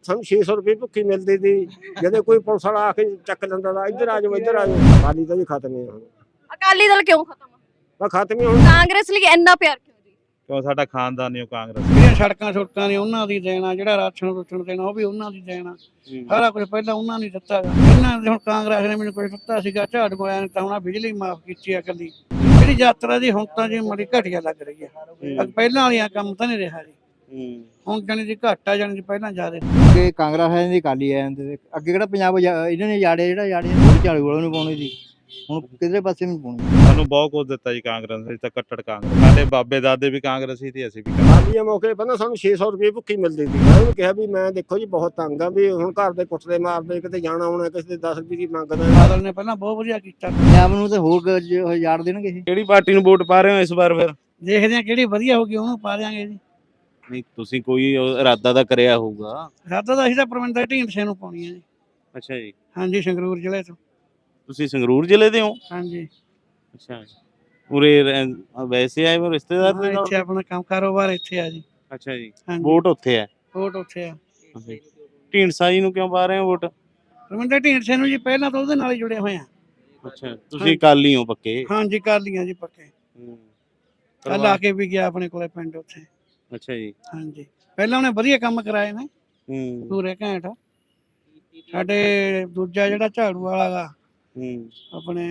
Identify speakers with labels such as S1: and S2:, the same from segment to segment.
S1: ਸਾਨੂੰ 600 ਰੁਪਏ ਭੁੱਖੀ ਮਿਲਦੀ ਸੀ ਜਦੋਂ ਕੋਈ ਪੁਲਿਸ ਵਾਲਾ ਆ ਕੇ ਚੱਕ ਲੈਂਦਾ ਤਾ ਇੱਧਰ ਆ ਜਾਓ ਅਕਾਲੀ ਤਾਂ ਜੀ ਖਤਮ ਹੀ ਹੁਣ
S2: ਅਕਾਲੀ ਦਲ ਕਿਉਂ ਖਤਮ ਆ?
S1: ਖਤਮ ਹੀ ਹੁਣ
S2: ਕਾਂਗਰਸ ਲਈ ਇੰਨਾ ਪਿਆਰ ਕਿਉਂ ਜੀ?
S3: ਕਿਉਂ ਸਾਡਾ ਖਾਨਦਾਨ ਹੀ ਕਾਂਗਰਸ।
S4: ਜਿਹੜੀਆਂ ਸੜਕਾਂ ਨੇ ਉਹਨਾਂ ਦੀ ਦੇਣਾ, ਜਿਹੜਾ ਰਾਸ਼ਨ ਦੇਣਾ ਉਹ ਵੀ ਉਹਨਾਂ ਦੀ ਦੇਣਾ, ਸਾਰਾ ਕੁਝ ਪਹਿਲਾਂ ਉਹਨਾਂ ਨੇ ਦਿੱਤਾ ਗਾ। ਇਹਨਾਂ ਨੇ ਹੁਣ ਕਾਂਗਰਸ ਨੇ ਮੈਨੂੰ ਕੁਝ ਦਿੱਤਾ ਸੀਗਾ, ਝਾੜੂ ਵਾਲਿਆਂ ਨੇ ਤਾਂ ਹੁਣ ਬਿਜਲੀ ਮਾਫ ਕੀਤੀ ਆ ਇਕੱਲੀ। ਜਿਹੜੀ ਯਾਤਰਾ ਦੀ ਹੁਣ ਤਾਂ ਜੀ ਬੜੀ ਘਟੀਆ ਲੱਗ ਰਹੀ ਹੈ, ਪਹਿਲਾਂ ਵਾਲੀਆਂ ਕੰਮ ਤਾਂ ਨਹੀਂ ਰਿਹਾ ਜੀ। ਹੁਣ ਜਾਣੀ ਦੀ ਘੱਟ ਆ, ਜਾਣੀ ਦੀ ਪਹਿਲਾਂ ਜ਼ਿਆਦਾ।
S5: ਅੱਗੇ ਕਾਂਗਰਸ ਆ ਜਾਂਦੀ, ਅਕਾਲੀ ਆ ਜਾਂਦੇ, ਅੱਗੇ ਕਿਹੜਾ ਪੰਜਾਬ ਇਹਨਾਂ ਨੇ ਜਾੜਿਆ ਝਾੜੂ ਵਾਲਿਆਂ ਨੂੰ ਪਾਉਣੀ ਸੀ, ਹੁਣ ਕਿਧਰੇ ਪਾਸੇ ਨਹੀਂ ਪਾਉਣੀ।
S3: ਸਾਨੂੰ ਬਹੁਤ ਕੁਝ ਦਿੱਤਾ ਜੀ ਕਾਂਗਰਸ ਨੇ, ਤਾਂ ਕੱਟੜ ਕਾਂਗਰਸ। ਸਾਡੇ ਬਾਬੇ ਦਾਦੇ ਵੀ ਕਾਂਗਰਸੀ ਤੇ ਅਸੀਂ ਵੀ
S1: ਅਕਾਲੀਆਂ ਮੌਕੇ ਪਹਿਲਾਂ ਸਾਨੂੰ 600 ਰੁਪਏ ਭੁੱਖੀ ਮਿਲਦੀ ਸੀ। ਮੈਂ ਉਹਨੂੰ ਕਿਹਾ ਵੀ ਮੈਂ ਦੇਖੋ ਜੀ ਬਹੁਤ ਤੰਗ ਆ, ਵੀ ਹੁਣ ਘਰ ਦੇ ਕੁੱਟਦੇ ਮਾਰਦੇ, ਕਿਤੇ ਜਾਣਾ ਆਉਣਾ, ਕਿਸੇ ਦੇ 10 ਰੁਪਏ ਦੀ ਮੰਗਦਾ।
S4: ਬਾਦਲ ਨੇ ਪਹਿਲਾਂ ਬਹੁਤ ਵਧੀਆ ਕੀਤਾ।
S5: ਪੰਜਾਬ ਨੂੰ ਤੇ ਹੋਰ ਜਾੜ ਦੇਣਗੇ ਇਹ।
S3: ਕਿਹੜੀ ਪਾਰਟੀ ਨੂੰ ਵੋਟ ਪਾ ਰਹੇ ਹੋ ਇਸ ਵਾਰ ਫਿਰ?
S4: ਦੇਖਦੇ ਆ ਕਿਹੜੀ ਵਧੀਆ ਹੋਗੀ ਉਹਨੂੰ ਪਾ ਦਿਆਂਗੇ ਜੀ।
S3: ਨਹੀਂ ਤੁਸੀਂ ਕੋਈ ਇਰਾਦਾ ਤਾਂ ਕਰਿਆ ਹੋਊਗਾ।
S4: ਸਾਡਾ ਤਾਂ ਅਸੀਂ ਤਾਂ ਪਰਮਿੰਦਰ ਢੀਂਡਸੇ ਨੂੰ ਪਾਉਣੀ ਹੈ ਜੀ।
S3: ਅੱਛਾ ਜੀ,
S4: ਹਾਂਜੀ, ਸੰਗਰੂਰ ਜ਼ਿਲ੍ਹੇ ਤੋਂ।
S3: ਤੁਸੀਂ ਸੰਗਰੂਰ ਜ਼ਿਲ੍ਹੇ ਦੇ ਹੋ?
S4: ਹਾਂਜੀ,
S3: ਅੱਛਾ, ਉਰੇ ਵੈਸੇ ਆਏ ਹੋ ਰਿਸ਼ਤੇਦਾਰ ਦੇ ਨਾਲ?
S4: ਇੱਥੇ ਆਪਣਾ ਕੰਮ ਕਾਰੋਬਾਰ ਇੱਥੇ ਆ ਜੀ।
S3: ਅੱਛਾ ਜੀ,
S4: ਹਾਂਜੀ,
S3: ਵੋਟ ਉੱਥੇ ਹੈ?
S4: ਵੋਟ ਉੱਥੇ ਆ।
S3: ਢੀਂਡਸਾ ਜੀ ਨੂੰ ਕਿਉਂ ਪਾ ਰਹੇ ਹੋ ਵੋਟ?
S4: ਪਰਮਿੰਦਰ ਢੀਂਡਸੇ ਨੂੰ ਜੀ ਪਹਿਲਾਂ ਤਾਂ ਉਹਦੇ ਨਾਲ ਹੀ ਜੁੜੇ ਹੋਏ ਆ।
S3: ਅੱਛਾ, ਤੁਸੀਂ ਅਕਾਲੀ ਹੋ ਪੱਕੇ?
S4: ਹਾਂਜੀ, ਕਰ ਲੀਆਂ ਜੀ ਪੱਕੇ। ਕੱਲ ਆ ਕੇ ਵੀ ਗਿਆ ਆਪਣੇ ਕੋਲੇ ਪਿੰਡ ਉੱਥੇ।
S3: ਅੱਛਾ ਜੀ,
S4: ਹਾਂਜੀ, ਪਹਿਲਾਂ ਉਹਨੇ ਵਧੀਆ ਕੰਮ ਕਰਾਏ ਨੇ ਪੂਰੇ ਘੈਂਟ। ਸਾਡੇ ਦੂਜਾ ਜਿਹੜਾ ਝਾੜੂ ਵਾਲਾ ਗਾ ਆਪਣੇ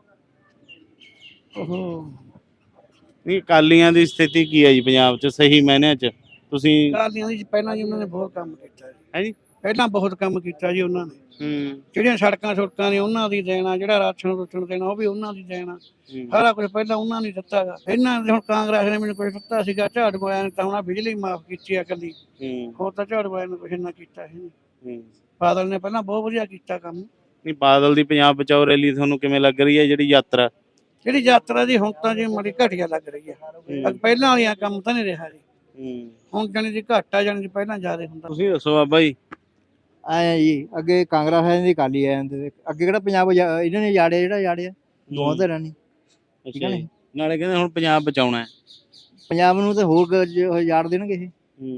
S4: ਉਹ
S3: ਨਹੀਂ, ਅਕਾਲੀਆਂ ਦੀ ਸਥਿਤੀ ਕੀ ਹੈ ਜੀ ਪੰਜਾਬ 'ਚ ਸਹੀ ਮਾਇਨਿਆਂ 'ਚ? ਤੁਸੀਂ
S4: ਕਾਲੀਆਂ ਦੀ ਪਹਿਲਾਂ ਜੀ ਉਹਨਾਂ ਨੇ ਬਹੁਤ ਕੰਮ ਕੀਤਾ ਜੀ।
S3: ਹੈ ਜੀ,
S4: ਪਹਿਲਾਂ ਬਹੁਤ ਕੰਮ ਕੀਤਾ ਜੀ ਉਹਨਾਂ ਨੇ। ਜਿਹੜੀਆਂ ਸੜਕਾਂ ਨੇ ਉਹਨਾਂ ਦੀ ਦੇਣਾ, ਜਿਹੜਾ ਰਾਸ਼ਨ ਦੇਣਾ ਉਹ ਵੀ ਉਹਨਾਂ ਦੀ ਦੇਣਾ, ਸਾਰਾ ਕੁਝ ਪਹਿਲਾਂ ਉਹਨਾਂ ਨੇ ਦਿੱਤਾ ਗਾ। ਇਹਨਾਂ ਨੇ ਹੁਣ ਕਾਂਗਰਸ ਨੇ ਮੈਨੂੰ ਕੁਝ ਦਿੱਤਾ ਸੀਗਾ, ਝਾੜੂ ਵਾਲਿਆਂ ਨੇ ਤਾਂ ਹੁਣ ਬਿਜਲੀ ਮਾਫ ਕੀਤੀ ਆ ਇਕੱਲੀ। ਹੋਰ ਤਾਂ ਝਾੜੂ ਵਾਲਿਆਂ ਨੇ ਕੁਝ ਨਾ ਕੀਤਾ ਸੀ। ਬਾਦਲ ਨੇ ਪਹਿਲਾਂ ਬਹੁਤ ਵਧੀਆ ਕੀਤਾ ਕੰਮ।
S3: ਨਹੀਂ, ਬਾਦਲ ਦੀ ਪੰਜਾਬ ਬਚਾਓ ਰੈਲੀ ਤੁਹਾਨੂੰ ਕਿਵੇਂ ਲੱਗ ਰਹੀ ਹੈ ਜਿਹੜੀ ਯਾਤਰਾ?
S4: ਜਿਹੜੀ ਯਾਤਰਾ ਦੀ ਹੁਣ ਤਾਂ ਜੀ ਬੜੀ ਘਟੀਆ ਲੱਗ ਰਹੀ ਹੈ, ਪਹਿਲਾਂ ਵਾਲੀਆਂ ਕੰਮ ਤਾਂ ਨਹੀਂ ਰਿਹਾ ਜੀ। ਹੁਣ ਜਾਣੀ ਦੀ ਘੱਟ ਆ, ਜਾਣੀ ਦੀ ਪਹਿਲਾਂ ਜ਼ਿਆਦਾ ਹੁੰਦਾ।
S3: ਤੁਸੀਂ ਦੱਸੋ ਬਾਬਾ ਜੀ।
S5: ਆਇਆ ਜੀ, ਅੱਗੇ ਕਾਂਗਰਸ ਆ ਜਾਂਦੀ, ਅਕਾਲੀ ਆ ਜਾਂਦੇ, ਅੱਗੇ ਕਿਹੜਾ ਪੰਜਾਬ ਇਹਨਾਂ ਨੇ ਜਾੜਿਆ ਦੋਹਾਂ ਧਿਰਾਂ ਨੇ। ਠੀਕ ਹੈ,
S3: ਨਾਲੇ ਕਹਿੰਦੇ ਹੁਣ ਪੰਜਾਬ ਬਚਾਉਣਾ ਹੈ।
S5: ਪੰਜਾਬ ਨੂੰ ਤੇ ਹੋਰ ਜਾੜ ਦੇਣਗੇ ਇਹ।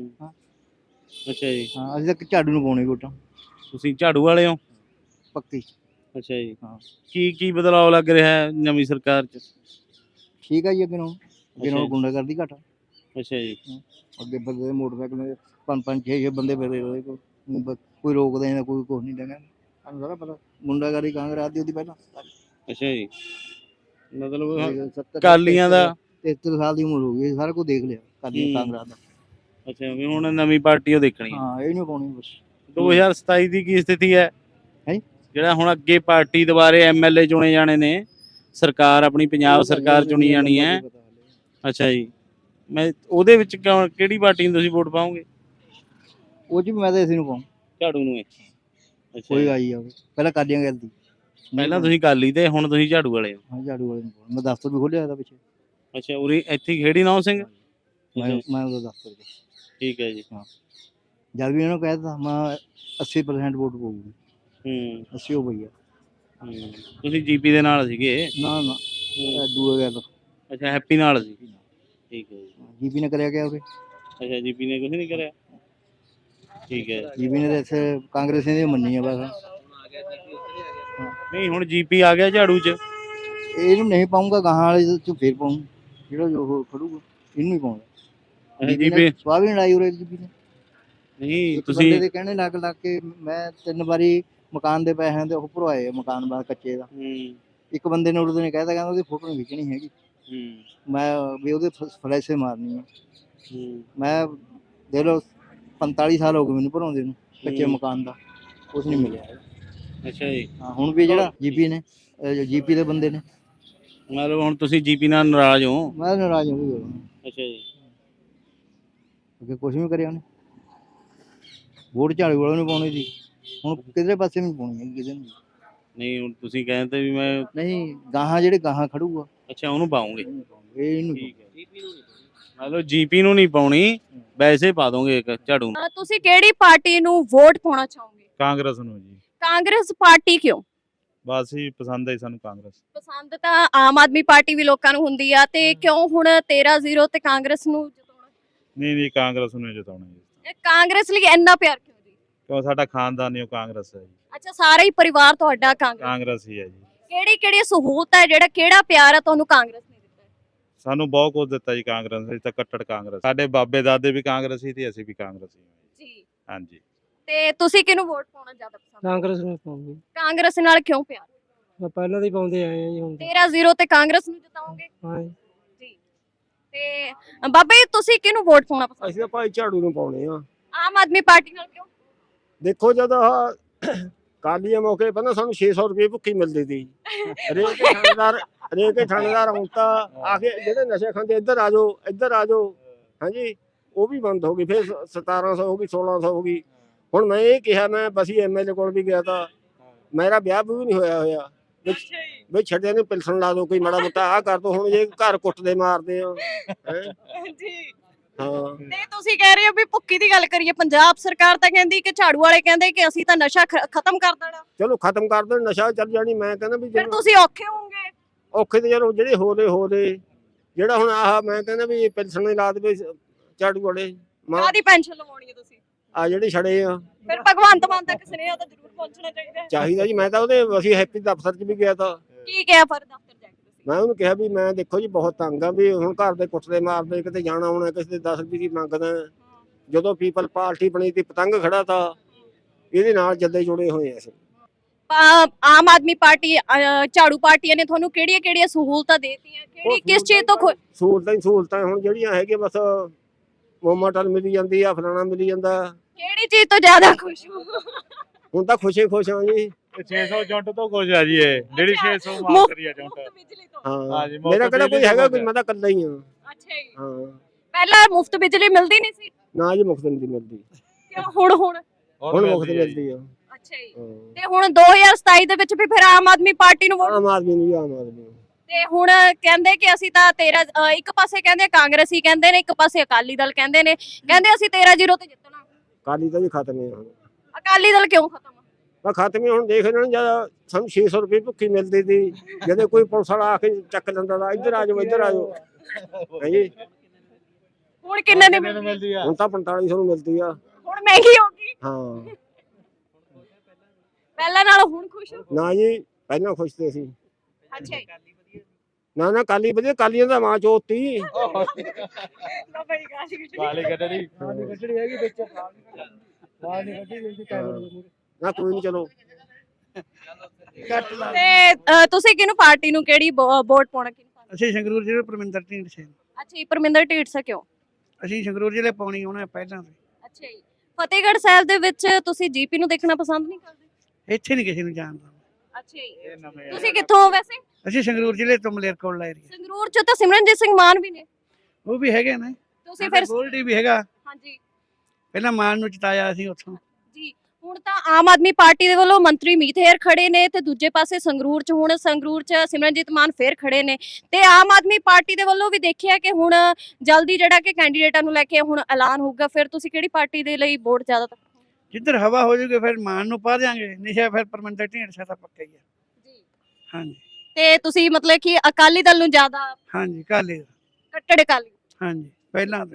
S3: ਅੱਛਾ ਜੀ,
S5: ਹਾਂ, ਅਸੀਂ ਤਾਂ ਝਾੜੂ ਨੂੰ ਪਾਉਣੀ ਵੋਟਾਂ।
S3: ਤੁਸੀਂ ਝਾੜੂ ਵਾਲੇ ਹੋ
S5: ਪੱਕੀ?
S3: ਅੱਛਾ ਜੀ,
S5: ਹਾਂ।
S3: ਕੀ ਬਦਲਾਅ ਲੱਗ ਰਿਹਾ ਹੈ ਨਵੀਂ ਸਰਕਾਰ 'ਚ?
S5: ਠੀਕ ਆ ਜੀ, ਅੱਗੇ ਨੂੰ ਗੁੰਡਾਗਰਦੀ ਘੱਟ।
S3: ਅੱਛਾ ਜੀ,
S5: ਅੱਗੇ ਬੰਦੇ ਦੇ ਮੋਟਰਸਾਈਕਲ 5-5 6 ਬੰਦੇ ਫਿਰਦੇ ਰਹੇ, ਕੋਈ ਰੋਕਦਾ ਨਹੀਂ, ਕੋਈ ਕੁਛ ਨਹੀਂ ਦੇਗਾ। ਸਾਨੂੰ ਸਾਰਾ ਪਤਾ ਗੁੰਡਾਗਰਦੀ ਕਾਂਗਰਸ ਦੀ ਉਹਦੀ ਪਹਿਲਾਂ।
S3: ਅੱਛਾ ਜੀ, ਮਤਲਬ ਅਕਾਲੀਆਂ ਦਾ
S5: 73 ਸਾਲ ਦੀ ਉਮਰ ਹੋ ਗਈ, ਸਾਰਾ ਕੁਝ ਦੇਖ ਲਿਆ ਕਾਂਗਰਸ ਦਾ।
S3: ਅੱਛਾ, ਵੀ ਹੁਣ ਨਵੀਂ ਪਾਰਟੀ ਉਹ ਦੇਖਣੀ ਹੈ।
S5: ਹਾਂ, ਇਹ ਨਹੀਂ ਪਾਉਣੀ ਬਸ।
S3: 2027 ਦੀ ਕੀ ਸਥਿਤੀ ਹੈ?
S5: ਹੈਂ?
S3: ਜਿਹੜਾ ਹੁਣ ਅੱਗੇ ਪਾਰਟੀ ਦੁਬਾਰੇ ਐਮਐਲਏ ਚੁਣੇ ਜਾਣੇ ਨੇ, ਸਰਕਾਰ ਆਪਣੀ ਪੰਜਾਬ ਸਰਕਾਰ ਚੁਣੀ ਜਾਣੀ ਹੈ। ਅੱਛਾ ਜੀ, ਮੈਂ ਉਹਦੇ ਵਿੱਚ ਕਿਹੜੀ ਪਾਰਟੀ ਨੂੰ ਤੁਸੀਂ ਵੋਟ ਪਾਓਗੇ?
S5: ਉਹ ਚ ਵੀ ਮੈਂ ਤਾਂ ਇਸੇ ਨੂੰ ਪਾਉਂ,
S3: ਝਾੜੂ ਨੂੰ। ਅੱਛਾ,
S5: ਕੋਈ ਆਈ ਜਾਵੇ। ਪਹਿਲਾਂ ਕਾਲੀਆਂ ਕਰਦੀ,
S3: ਪਹਿਲਾਂ ਤੁਸੀਂ ਅਕਾਲੀ ਤੇ ਹੁਣ ਤੁਸੀਂ ਝਾੜੂ ਵਾਲੇ ਹੋ?
S5: ਹਾਂ, ਝਾੜੂ ਵਾਲੇ ਨੂੰ ਪਾਉਂ। ਮੈਂ ਦਫ਼ਤਰ ਵੀ ਖੋਲਿਆ ਇਹਦਾ ਪਿੱਛੇ।
S3: ਅੱਛਾ, ਉਰੇ ਇੱਥੇ ਖੇੜੀ ਨੌ ਸਿੰਘ?
S5: ਮੈਂ ਉਹਦਾ ਦਫ਼ਤਰ ਚ।
S3: ਠੀਕ ਹੈ ਜੀ।
S5: ਹਾਂ, ਜਦ ਵੀ ਇਹਨਾਂ ਨੂੰ ਕਹਿ ਦਿੱਤਾ ਮੈਂ 80% ਵੋਟ ਪਾਊਗੀ। 80 ਹੋ ਗਈ ਆ।
S3: ਤੁਸੀਂ ਜੀਪੀ ਦੇ ਨਾਲ ਸੀਗੇ?
S5: ਨਾ ਦੂਆ ਗਿਆ ਤਾਂ।
S3: ਅੱਛਾ, ਹੈਪੀ ਨਾਲ ਸੀ। ਠੀਕ ਹੈ ਜੀ।
S5: ਜੀਪੀ ਨੇ ਕਰਿਆ ਗਿਆ ਉਰੇ?
S3: ਅੱਛਾ, ਜੀਪੀ ਨੇ ਕੁਝ ਨਹੀਂ ਕਰਿਆ। ਠੀਕ ਹੈ,
S5: ਜੀਪੀ ਨੇ ਤਾਂ ਇੱਥੇ ਕਾਂਗਰਸੀਆਂ ਦੀ ਮੰਨੀ ਆ ਬਸ।
S3: ਨਹੀਂ, ਹੁਣ ਜੀਪੀ ਆ ਗਿਆ ਝਾੜੂ 'ਚ।
S5: ਇਹਨੂੰ ਨਹੀਂ ਪਾਉਂਗਾ, ਗਾਹਾਂ ਵਾਲੇ ਚ ਫੇਰ ਪਾਉਂ, ਜਿਹੜਾ ਉਹ ਖੜੂਗਾ ਇਹਨੂੰ ਹੀ ਪਾਉਂਗਾ।
S3: ਜੀਪੀ
S5: ਸਵਾਹ ਵੀ ਲੜਾਈ ਉਰੇ ਜੀਪੀ ਨੇ।
S3: ਨਹੀਂ,
S5: ਤੁਸੀਂ
S3: ਤੁਸੀਂ
S5: ਦੇ ਕਹਿਣੇ ਲੱਗ ਕੇ ਮੈਂ 3 ਵਾਰੀ ਮਕਾਨ ਦੇ ਪੈਸਿਆਂ ਤੇ ਉਹ ਭਰਵਾਏ ਆ, ਮਕਾਨ ਬਾਅਦ ਕੱਚੇ ਦਾ। ਇੱਕ ਬੰਦੇ ਨੇ ਉਹਦੇ ਨੇ ਕਹਿਤਾ, ਕਹਿੰਦਾ ਉਹਦੀ ਫੋਟੋ ਨਹੀਂ ਖਿੱਚਣੀ ਹੈਗੀ, ਮੈਂ ਵੀ ਉਹਦੇ ਫਲੈਸ਼ੇ ਮਾਰਨੀ ਆ। ਮੈਂ ਦੇਖ ਲਓ 45 ਸਾਲ ਹੋ ਗਏ ਮੈਨੂੰ ਭਰਾਉਂਦੇ ਨੂੰ ਕੱਚੇ ਮਕਾਨ ਦਾ, ਕੁਛ ਨਹੀਂ ਮਿਲਿਆ।
S3: ਅੱਛਾ ਜੀ।
S5: ਹਾਂ, ਹੁਣ ਵੀ ਜਿਹੜਾ ਜੀਪੀ ਦੇ ਬੰਦੇ ਨੇ,
S3: ਮਤਲਬ ਹੁਣ ਤੁਸੀਂ ਜੀਪੀ ਨਾਲ ਨਾਰਾਜ਼ ਹੋ?
S5: ਮੈਂ ਨਾਰਾਜ਼ ਹੋ ਗਿਆ।
S3: ਅੱਛਾ ਜੀ,
S5: ਅੱਗੇ ਕੁਛ ਵੀ ਕਰਿਆ ਉਹਨੇ। ਵੋਟ ਝਾੜੂ ਵਾਲੇ ਨੂੰ ਪਾਉਣੀ ਸੀ, ਹੁਣ ਕਿਧਰੇ ਪਾਸੇ ਨਹੀਂ ਪਾਉਣੀ ਹੈਗੀ ਕਿਸੇ ਨੂੰ।
S3: ਨਹੀਂ, ਹੁਣ ਤੁਸੀਂ ਕਹਿੰਦੇ ਵੀ ਮੈਂ
S5: ਨਹੀਂ, ਗਾਹਾਂ ਜਿਹੜੇ ਗਾਹਾਂ ਖੜੂਗਾ।
S3: ਅੱਛਾ, ਉਹਨੂੰ ਪਾਉਂਗੇ?
S5: ਇਹਨੂੰ
S3: ਮਤਲਬ ਜੀਪੀ ਨੂੰ ਨਹੀਂ ਪਾਉਣੀ, ਵੈਸੇ ਪਾ ਦੋਗੇ ਇੱਕ ਝਾੜੂ ਨੂੰ।
S2: ਤੁਸੀਂ ਕਿਹੜੀ ਪਾਰਟੀ ਨੂੰ ਵੋਟ ਪਾਉਣਾ ਚਾਹੋਗੇ?
S6: ਕਾਂਗਰਸ ਨੂੰ ਜੀ।
S2: ਕਾਂਗਰਸ ਪਾਰਟੀ ਕਿਉਂ?
S6: ਬਸ ਹੀ ਪਸੰਦ ਹੈ ਸਾਨੂੰ ਕਾਂਗਰਸ।
S2: ਪਸੰਦ ਤਾਂ ਆਮ ਆਦਮੀ ਪਾਰਟੀ ਵੀ ਲੋਕਾਂ ਨੂੰ ਹੁੰਦੀ ਆ, ਤੇ ਕਿਉਂ ਹੁਣ 13-0 ਤੇ ਕਾਂਗਰਸ ਨੂੰ ਜਿਤਾਉਣਾ?
S6: ਨਹੀਂ ਕਾਂਗਰਸ ਨੂੰ ਜਿਤਾਉਣਾ ਜੀ।
S2: ਕਾਂਗਰਸ ਲਈ ਇੰਨਾ ਪਿਆਰ ਕਿਉਂ ਜੀ?
S6: ਕਿਉਂ ਸਾਡਾ ਖਾਨਦਾਨ ਹੀ ਉਹ ਕਾਂਗਰਸ ਹੈ ਜੀ।
S2: ਅੱਛਾ, ਸਾਰਾ ਹੀ ਪਰਿਵਾਰ ਤੁਹਾਡਾ ਕਾਂਗਰਸ।
S6: ਕਾਂਗਰਸ ਹੀ ਹੈ ਜੀ।
S2: ਕਿਹੜੀ ਕਿਹੜੀ ਸਹੂਲਤ ਹੈ, ਕਿਹੜਾ ਪਿਆਰ ਹੈ ਤੁਹਾਨੂੰ ਕਾਂਗਰਸ ਨੇ ਦਿੱਤਾ ਹੈ?
S6: ਸਾਨੂੰ ਬਹੁਤ ਕੁਝ ਦਿੱਤਾ ਜੀ ਕਾਂਗਰਸ ਨੇ। ਅਸੀਂ ਤਾਂ ਕੱਟੜ ਕਾਂਗਰਸ, ਸਾਡੇ ਬਾਬੇ ਦਾਦੇ ਵੀ ਕਾਂਗਰਸੀ ਤੇ ਅਸੀਂ ਵੀ ਕਾਂਗਰਸੀ ਹਾਂ
S2: ਜੀ।
S6: ਹਾਂਜੀ।
S2: ਤੇ ਤੁਸੀਂ ਕਿਹਨੂੰ ਵੋਟ ਪਾਉਣਾ ਜ਼ਿਆਦਾ ਪਸੰਦ?
S7: ਕਾਂਗਰਸ ਨੂੰ ਪਾਉਂਗੇ।
S2: ਕਾਂਗਰਸ ਨਾਲ ਕਿਉਂ ਪਿਆਰ?
S7: ਮੈਂ ਪਹਿਲਾਂ ਦੇ ਹੀ ਪਾਉਂਦੇ ਆਏ ਆ ਜੀ ਹੁਣ
S2: 13-0 ਤੇ ਕਾਂਗਰਸ ਨੂੰ ਜਿਤਾਓਗੇ?
S7: ਹਾਂ ਜੀ।
S2: ਜੀ। ਤੇ ਬਾਬਾ ਜੀ ਤੁਸੀਂ ਕਿਹਨੂੰ ਵੋਟ ਪਾਉਣਾ ਪਸੰਦ?
S1: ਅਸੀਂ ਤਾਂ ਭਾਈ ਝਾੜੂ ਨੂੰ ਪਾਉਣੇ ਆ।
S2: ਆਮ ਆਦਮੀ ਪਾਰਟੀ ਨਾਲ ਕਿਉਂ?
S1: ਦੇਖੋ ਜਦੋਂ ਆਹ ਕਾਲੀਆਂ ਮੌਕੇ ਪਹਿਲਾਂ ਸਾਨੂੰ 600 ਰੁਪਏ ਭੁੱਖੀ ਮਿਲਦੀ ਸੀ। ਹਰੇਕ ਥਾਣੇਦਾਰ ਆਉਂਦਾ ਆ ਕੇ ਜਿਹੜੇ ਨਸ਼ੇ ਖਾਂਦੇ ਇੱਧਰ ਆ ਜਾਓ ਹਾਂਜੀ, ਉਹ ਵੀ ਬੰਦ ਹੋ ਗਈ। ਫਿਰ 1700 ਹੋ ਗਈ, 1600 ਹੋ ਗਈ। ਹੁਣ ਮੈਂ ਇਹ ਕਿਹਾ, ਮੈਂ ਬਸੀ ਐਮਐਲਏ ਕੋਲ ਵੀ ਗਿਆ ਤਾਂ ਮੇਰਾ ਵਿਆਹ ਵੀ ਨਹੀਂ ਹੋਇਆ ਵੀ ਛੱਡਿਆ ਨੂੰ ਪਿਲਸਣ ਲਾ ਦੋ, ਕੋਈ ਮਾੜਾ ਮੋਟਾ ਆਹ ਕਰ ਦੋ। ਹੁਣ ਜੇ ਘਰ ਕੁੱਟਦੇ ਮਾਰਦੇ ਆ
S2: ਜੀ।
S1: ਹਾਂ।
S2: ਤੇ ਤੁਸੀਂ ਕਹਿ ਰਹੇ ਹੋ ਵੀ ਭੁੱਕੀ ਦੀ ਗੱਲ ਕਰੀਏ, ਪੰਜਾਬ ਸਰਕਾਰ ਤਾਂ ਕਹਿੰਦੀ ਕਿ ਝਾੜੂ ਵਾਲੇ ਕਹਿੰਦੇ ਕਿ ਅਸੀਂ ਤਾਂ ਨਸ਼ਾ ਖਤਮ ਕਰ ਦੇਣਾ।
S1: ਚਲੋ ਖਤਮ ਕਰ ਦੇਣ, ਨਸ਼ਾ ਚੱਲ ਜਾਣੀ। ਮੈਂ ਕਹਿੰਦਾ ਵੀ
S2: ਫਿਰ ਤੁਸੀਂ ਔਖੇ ਹੋਵੋਗੇ।
S1: ਔਖੇ ਤੇ ਚਲੋ ਜਿਹੜੇ ਹੋਰੇ ਜਿਹੜਾ ਹੁਣ ਆਹ ਮੈਂ ਕਹਿੰਦਾ ਵੀ ਪਿਲਸਣ ਹੀ ਲਾ ਦੇਵੇ ਝਾੜੂ ਵਾਲੇ।
S2: ਕਾਹਦੀ ਪੈਨਸ਼ਨ ਲਵਾਉਣੀ ਹੈ ਤੁਸੀਂ?
S1: ਆ ਜਿਹੜੇ ਛੜੇ ਆ
S2: ਫਿਰ ਭਗਵੰਤ ਮਾਨ ਤੱਕ ਸੁਨੇਹਾ ਤਾਂ ਜ਼ਰੂਰ ਪਹੁੰਚਣਾ ਚਾਹੀਦਾ ਹੈ।
S1: ਚਾਹੀਦਾ ਜੀ। ਮੈਂ ਤਾਂ ਅਸੀਂ ਹੈਪੀ ਦਫ਼ਤਰ 'ਚ ਵੀ ਗਿਆ ਤਾਂ
S2: ਕੀ ਕਿਹਾ ਫਿਰ ਦਫ਼ਤਰ ਜਾ ਕੇ ਤੁਸੀਂ?
S1: ਮੈਂ ਉਹਨੂੰ ਕਿਹਾ ਵੀ ਮੈਂ ਦੇਖੋ ਜੀ ਬਹੁਤ ਤੰਗ ਆ ਵੀ ਹੁਣ ਘਰ ਦੇ ਕੁੱਟਦੇ ਮਾਰਦੇ, ਕਿਤੇ ਜਾਣਾ ਆਉਣਾ, ਕਿਸੇ ਦੇ 10 ਰੁਪਏ ਦੀ ਮੰਗਦਾ। ਜਦੋਂ ਪੀਪਲ ਪਾਰਟੀ ਬਣੀ ਤੀ ਪਤੰਗ ਖੜਾ ਤਾਂ ਇਹਦੇ ਨਾਲ ਜੱਦੇ ਜੁੜੇ ਹੋਏ ਆ ਅਸੀਂ।
S2: ਆਮ ਆਦਮੀ ਪਾਰਟੀ ਝਾੜੂ ਪਾਰਟੀਆਂ ਨੇ ਤੁਹਾਨੂੰ ਕਿਹੜੀਆਂ ਸਹੂਲਤਾਂ ਦੇਤੀਆਂ? ਕਿਸ ਚੀਜ਼ ਤੋਂ
S1: ਸਹੂਲਤਾਂ ਹੁਣ ਜਿਹੜੀਆਂ ਹੈਗੀਆਂ ਬਸ ਮੋਮਟਲ ਮਿਲੀ ਜਾਂਦੀ ਆ, ਫਲਾਣਾ ਮਿਲੀ ਜਾਂਦਾ।
S2: ਕਿਹੜੀ ਚੀਜ਼ ਤੋਂ ਜ਼ਿਆਦਾ ਖੁਸ਼ ਹੋ?
S1: ਹੁਣ ਤਾਂ ਖੁਸ਼ ਹਾਂ ਜੀ।
S6: 600 ਜੁੰਟ ਤੋਂ ਕੁਝ ਆ ਜੀ, ਇਹ ਜਿਹੜੀ 600 ਮਾਫ
S2: ਮੁਫ਼ਤ-
S6: ਕਰੀ ਆ ਜੁੰਟ।
S2: ਬਿਜਲੀ ਤੋਂ?
S1: ਹਾਂ
S6: ਜੀ,
S1: ਮੇਰਾ ਕਿਹੜਾ ਕੋਈ ਹੈਗਾ, ਕੋਈ ਮੈਂ ਤਾਂ ਇਕੱਲਾ ਹੀ ਆ।
S2: ਅੱਛਾ ਜੀ।
S1: ਹਾਂ
S2: ਪਹਿਲਾਂ ਮੁਫਤ ਬਿਜਲੀ ਮਿਲਦੀ ਨਹੀਂ ਸੀ?
S1: ਨਾ ਜੀ, ਮੁਫ਼ਤ ਨਹੀਂ ਮਿਲਦੀ।
S2: ਕਿਉਂ? ਹੁਣ
S1: ਹੁਣ ਮੁਫ਼ਤ ਮਿਲਦੀ ਆ।
S2: ਅੱਛਾ ਜੀ।
S1: ਹਾਂ।
S2: ਤੇ ਹੁਣ 2027 ਦੇ ਵਿੱਚ ਵੀ ਫਿਰ ਆਮ ਆਦਮੀ ਪਾਰਟੀ ਨੂੰ ਵੋਟ?
S1: ਆਮ ਆਦਮੀ ਨੂੰ।
S2: ਤੇ ਹੁਣ ਕਹਿੰਦੇ ਕਿ ਅਸੀਂ ਤਾਂ ਇੱਕ ਪਾਸੇ ਕਹਿੰਦੇ ਕਾਂਗਰਸੀ ਕਹਿੰਦੇ ਨੇ, ਇੱਕ ਪਾਸੇ ਅਕਾਲੀ ਦਲ ਕਹਿੰਦੇ ਨੇ, ਕਹਿੰਦੇ ਅਸੀਂ 13-0 ਤੇ ਜਿੱਤਣਾ।
S1: ਅਕਾਲੀ ਤਾਂ ਜੀ ਖਤਮ ਹੈ ਹੁਣ।
S2: ਅਕਾਲੀ ਦਲ ਕਿਉਂ ਖਤਮ?
S1: ਮੈਂ ਖਤਮ ਹੀ ਹੁਣ ਦੇਖ ਲੈਣਾ। ਜਦ ਸਾਨੂੰ 600 ਰੁਪਏ ਭੁੱਖੀ ਮਿਲਦੀ ਸੀ, ਜਦੋਂ ਕੋਈ ਪੁਲਿਸ ਵਾਲਾ ਆ ਕੇ ਚੱਕ ਲੈਂਦਾ ਤਾਂ ਇੱਧਰ ਆ ਜਾਓ ਹਾਂਜੀ।
S2: ਹੁਣ ਕਿੰਨੇ ਦੀ ਮਿਲਦੀ?
S1: ਹੁਣ ਤਾਂ 4500 ਨੂੰ ਮਿਲਦੀ ਆ।
S2: ਹੁਣ ਮਹਿੰਗੀ ਹੋ ਗਈ।
S1: ਹਾਂ।
S2: ਪਹਿਲਾਂ ਨਾਲ ਹੁਣ ਖੁਸ਼ ਹੋ?
S1: ਨਾ ਜੀ, ਪਹਿਲਾਂ ਖੁਸ਼ ਤੇ ਸੀ।
S2: ਅੱਛਾ ਜੀ।
S1: ਨਾ ਕਾਲੀ ਵਧੀਆ, ਕਾਲੀਆਂ ਦਾ ਮਾਂ ਚੋਤੀ।
S6: ਵਾਲੀ ਗੱਡੜੀ
S7: ਹੈਗੀ ਵਿੱਚ ਬਾਹਰ ਨਹੀਂ ਕੱਢੀ
S1: ਨਾ ਕੋਈ ਨਹੀਂ, ਚਲੋ
S2: ਤੇ ਤੁਸੀਂ ਕਿਹਨੂੰ ਪਾਰਟੀ ਨੂੰ ਕਿਹੜੀ ਵੋਟ ਪਾਉਣਾ?
S4: ਅਸੀਂ ਸੰਗਰੂਰ ਜ਼ਿਲ੍ਹੇ ਪਰਮਿੰਦਰ ਢੀਂਡਸੇ ਨੂੰ।
S2: ਅੱਛਾ ਜੀ, ਪਰਮਿੰਦਰ ਢੀਂਡਸਾ ਕਿਉਂ?
S4: ਅਸੀਂ ਸੰਗਰੂਰ ਜ਼ਿਲ੍ਹੇ ਪਾਉਣੀ ਉਹਨਾਂ ਪਹਿਲਾਂ ਤੋਂ।
S2: ਅੱਛਾ ਜੀ। ਫਤਿਹਗੜ੍ਹ ਸਾਹਿਬ ਦੇ ਵਿੱਚ ਤੁਸੀਂ ਜੀਪੀ ਨੂੰ ਦੇਖਣਾ ਪਸੰਦ ਨਹੀਂ ਕਰਦੇ?
S4: ਇੱਥੇ ਨਹੀਂ ਕਿਸੇ ਨੂੰ ਜਾਣਦਾ।
S2: ਅੱਛਾ ਜੀ। ਤੁਸੀਂ ਕਿੱਥੋਂ ਹੋ ਵੈਸੇ?
S4: ਅਸੀਂ ਸੰਗਰੂਰ ਜ਼ਿਲ੍ਹੇ ਤੋਂ ਮਲੇਰਕੋਟਲਾ ਏਰੀਆ।
S2: ਸੰਗਰੂਰ ਚ ਤਾਂ ਸਿਮਰਨਜੀਤ ਸਿੰਘ ਮਾਨ ਵੀ ਨੇ।
S4: ਉਹ ਵੀ ਹੈਗੇ ਨੇ।
S2: ਤੁਸੀਂ ਫਿਰ
S4: ਗੋਲਡੀ ਵੀ ਹੈਗਾ।
S2: ਹਾਂਜੀ
S4: ਪਹਿਲਾਂ ਮਾਨ ਨੂੰ ਜਿਤਾਇਆ ਅਸੀਂ ਉੱਥੋਂ।
S2: ਜੀ। ਹੁਣ ਤਾਂ ਆਮ ਆਦਮੀ ਪਾਰਟੀ ਦੇ ਵੱਲੋਂ ਮੰਤਰੀ ਮੀਤ ਹੇਰ ਖੜੇ ਨੇ ਤੇ ਦੂਜੇ ਪਾਸੇ ਸੰਗਰੂਰ ਚ ਸਿਮਰਨਜੀਤ ਮਾਨ ਫੇਰ ਖੜੇ ਨੇ ਤੇ ਆਮ ਆਦਮੀ ਪਾਰਟੀ ਦੇ ਵੱਲੋਂ ਵੀ ਦੇਖਿਆ ਕਿ ਹੁਣ ਜਲਦੀ ਜਿਹੜਾ ਕਿ ਕੈਂਡੀਡੇਟਾਂ ਨੂੰ ਲੈ ਕੇ ਹੁਣ ਐਲਾਨ ਹੋਊਗਾ। ਫਿਰ ਤੁਸੀਂ ਕਿਹੜੀ ਪਾਰਟੀ ਦੇ ਲਈ ਵੋਟ ਜ਼ਿਆਦਾ?
S4: ਜਿੱਧਰ ਹਵਾ ਹੋ ਜੂਗੀ ਫਿਰ ਮਾਨ ਨੂੰ ਪਾ ਦਿਆਂਗੇ, ਨਿਸ਼ਾ ਫਿਰ ਪਰਮਿੰਦਰ ਢੀਂਡਸਾ ਤਾਂ ਪੱਕਾ ਹੀ ਆ
S2: ਜੀ।
S4: ਹਾਂਜੀ।
S2: ਤੇ ਤੁਸੀਂ ਮਤਲਬ ਕਿ ਅਕਾਲੀ ਦਲ ਨੂੰ ਜ਼ਿਆਦਾ?
S4: ਹਾਂਜੀ, ਕਾਲੀ।
S2: ਕੱਟੜ ਅਕਾਲੀ?
S4: ਹਾਂਜੀ, ਪਹਿਲਾਂ ਤੋਂ।